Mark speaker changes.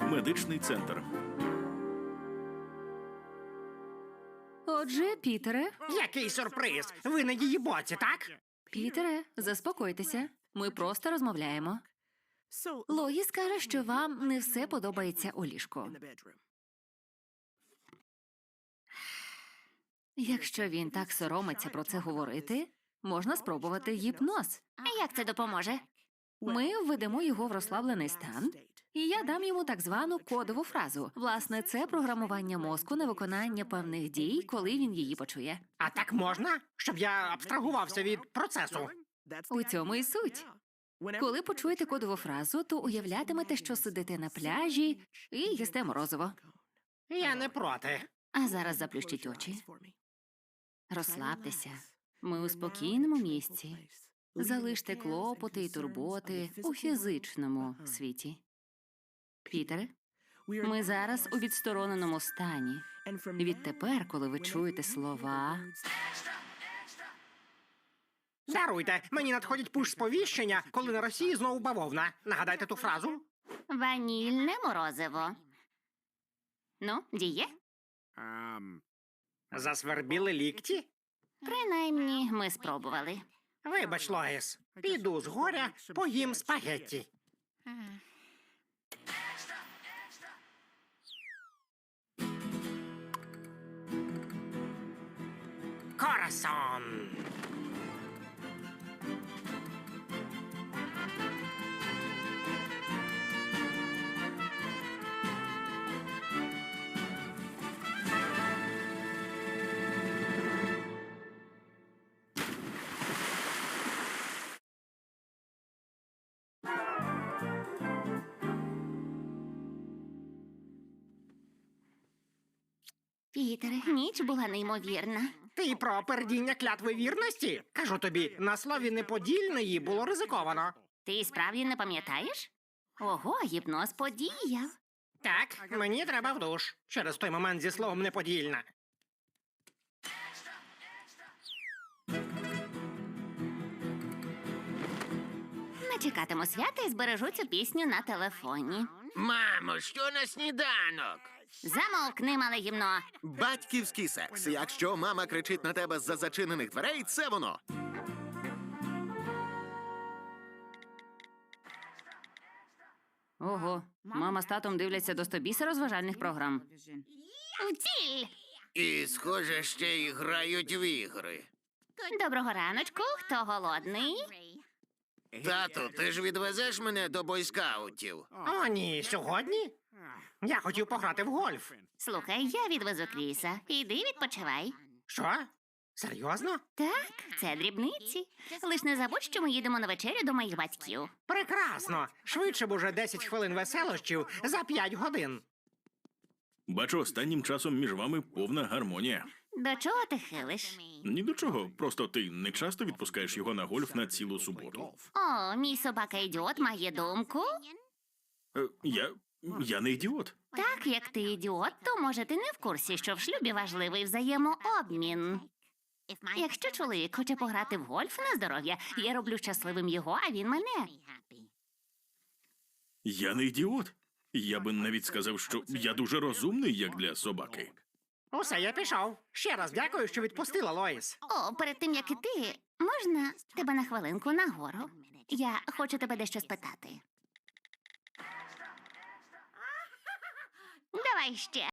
Speaker 1: Медичний центр.
Speaker 2: Отже, Пітере.
Speaker 3: Який сюрприз! Ви на її боці, так?
Speaker 2: Пітере, заспокойтеся. Ми просто розмовляємо. Лоїс каже, що вам не все подобається у ліжку. Якщо він так соромиться про це говорити, можна спробувати гіпноз. Як це допоможе? Ми введемо його в розслаблений стан, і я дам йому так звану кодову фразу. Власне, це програмування мозку на виконання певних дій, коли він її почує.
Speaker 3: А так можна? Щоб я абстрагувався від процесу.
Speaker 2: У цьому і суть. Коли почуєте кодову фразу, то уявлятимете, що сидите на пляжі і їсте морозиво.
Speaker 3: Я не проти.
Speaker 2: А зараз заплющіть очі. Розслабтеся. Ми у спокійному місці. Залиште клопоти і турботи у фізичному світі. Пітере, ми зараз у відстороненому стані. Відтепер, коли ви чуєте слова,
Speaker 3: Даруйте, мені надходять пуш-сповіщення, коли на Росії знову бавовна. Нагадайте ту фразу.
Speaker 2: ванільне морозиво. Ну, діє?
Speaker 3: Засвербіли лікті?
Speaker 2: Принаймні, ми спробували.
Speaker 3: Вибач, Лоїс, піду з горя, поїм спагетті. Корасон.
Speaker 2: Пітере, ніч була неймовірна.
Speaker 3: Ти про пердіння клятви вірності? Кажу тобі, на слові неподільної було ризиковано.
Speaker 2: Ти справді не пам'ятаєш? Ого, гіпноз подіяв.
Speaker 3: Так, мені треба в душ. Через той момент зі словом неподільна.
Speaker 2: Не чекатиму свята і збережу цю пісню на телефоні.
Speaker 4: Мамо, що на сніданок?
Speaker 2: Замовкни, мале гімно.
Speaker 5: Батьківський секс. Якщо мама кричить на тебе з-за зачинених дверей, це воно.
Speaker 2: Ого, мама з татом дивляться до стобіса розважальних програм. Втіль!
Speaker 4: І, схоже, ще й грають в ігри.
Speaker 2: Доброго раночку, хто голодний?
Speaker 4: Тату, ти ж відвезеш мене до бойскаутів?
Speaker 3: О, ні, сьогодні? Я хотів пограти в гольф.
Speaker 2: Слухай, я відвезу Кріса. Іди відпочивай.
Speaker 3: Що? Серйозно?
Speaker 2: Так, це дрібниці. Лиш не забудь, що ми їдемо на вечерю до моїх батьків.
Speaker 3: Прекрасно. Швидше б уже 10 хвилин веселощів за 5 годин.
Speaker 1: Бачу, останнім часом між вами повна гармонія.
Speaker 2: До чого ти хилиш?
Speaker 1: Ні до чого, просто ти не часто відпускаєш його на гольф на цілу суботу.
Speaker 2: О, мій собака-ідіот має думку.
Speaker 1: Я не ідіот.
Speaker 2: Так, як ти ідіот, то, може, ти не в курсі, що в шлюбі важливий взаємообмін. Якщо чоловік хоче пограти в гольф на здоров'я, я роблю щасливим його, а він мене.
Speaker 1: Я не ідіот. Я би навіть сказав, що я дуже розумний, як для собаки.
Speaker 3: Усе, я пішов. Ще раз дякую, що відпустила, Лоїс.
Speaker 2: О, перед тим, як іти, можна тебе на хвилинку нагору? Я хочу тебе дещо спитати. Давай ще.